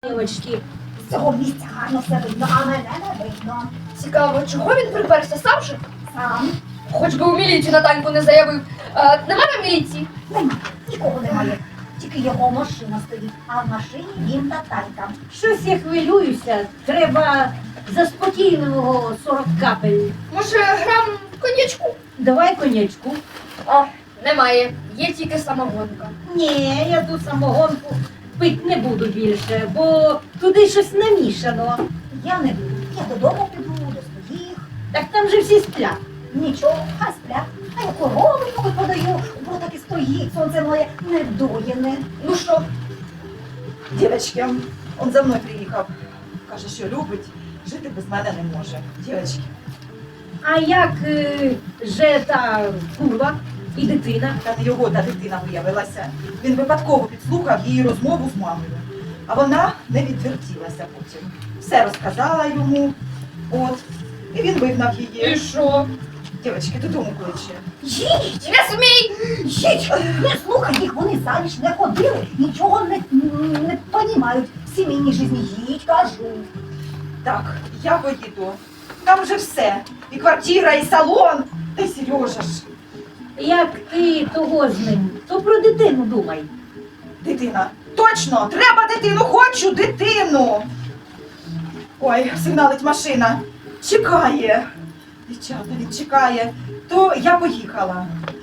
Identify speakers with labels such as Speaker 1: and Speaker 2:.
Speaker 1: Дівочки, з цього місця гарно все видно, а мене не видно.
Speaker 2: Цікаво, чого він приперся сам же?
Speaker 1: Сам
Speaker 2: Хоч би у міліцію на танку не заявив. Немає міліції?
Speaker 1: нема, нікого немає. Тільки його машина стоїть, а в машині він та танка.
Speaker 3: Щось я хвилююся. Треба заспокійливого 40 капель.
Speaker 2: Може, грам конячку?
Speaker 3: Давай конячку.
Speaker 2: О, немає. Є тільки самогонка.
Speaker 3: Ні, я ту самогонку пить не буду більше, бо туди щось намішано.
Speaker 1: Я не буду. Я додому піду, до своїх.
Speaker 3: Так там же всі сплять.
Speaker 1: Нічого, хай сплять. А я корову подаю, бо так і стоїть, сонце моє недоїне.
Speaker 2: Ну що,
Speaker 4: Дівчатки, он за мною приїхав. Каже, що любить, жити без мене не може. Дівчатки,
Speaker 3: А як же та курва і дитина?
Speaker 4: та не його та дитина виявилася. Він випадково підслухав її розмову з мамою. А вона не відвертілася потім. Все розказала йому. От. І він вигнав
Speaker 2: і
Speaker 4: її.
Speaker 2: що?
Speaker 4: Дівчатки, додому кличе.
Speaker 1: Їдь!
Speaker 2: Не смій!
Speaker 1: Їдь! Не слухай їх, вони заміж не ходили, нічого не понімають в сімейній житті. Їдь, кажу.
Speaker 4: Так, я поїду. Там вже все. І квартира, і салон. Та й Сережа ж.
Speaker 3: Як ти того з ним, то про дитину думай.
Speaker 4: Дитина. Точно! Треба дитину! Хочу дитину! Ой, сигналить машина. Чекає. Дівчата, він чекає. То я поїхала.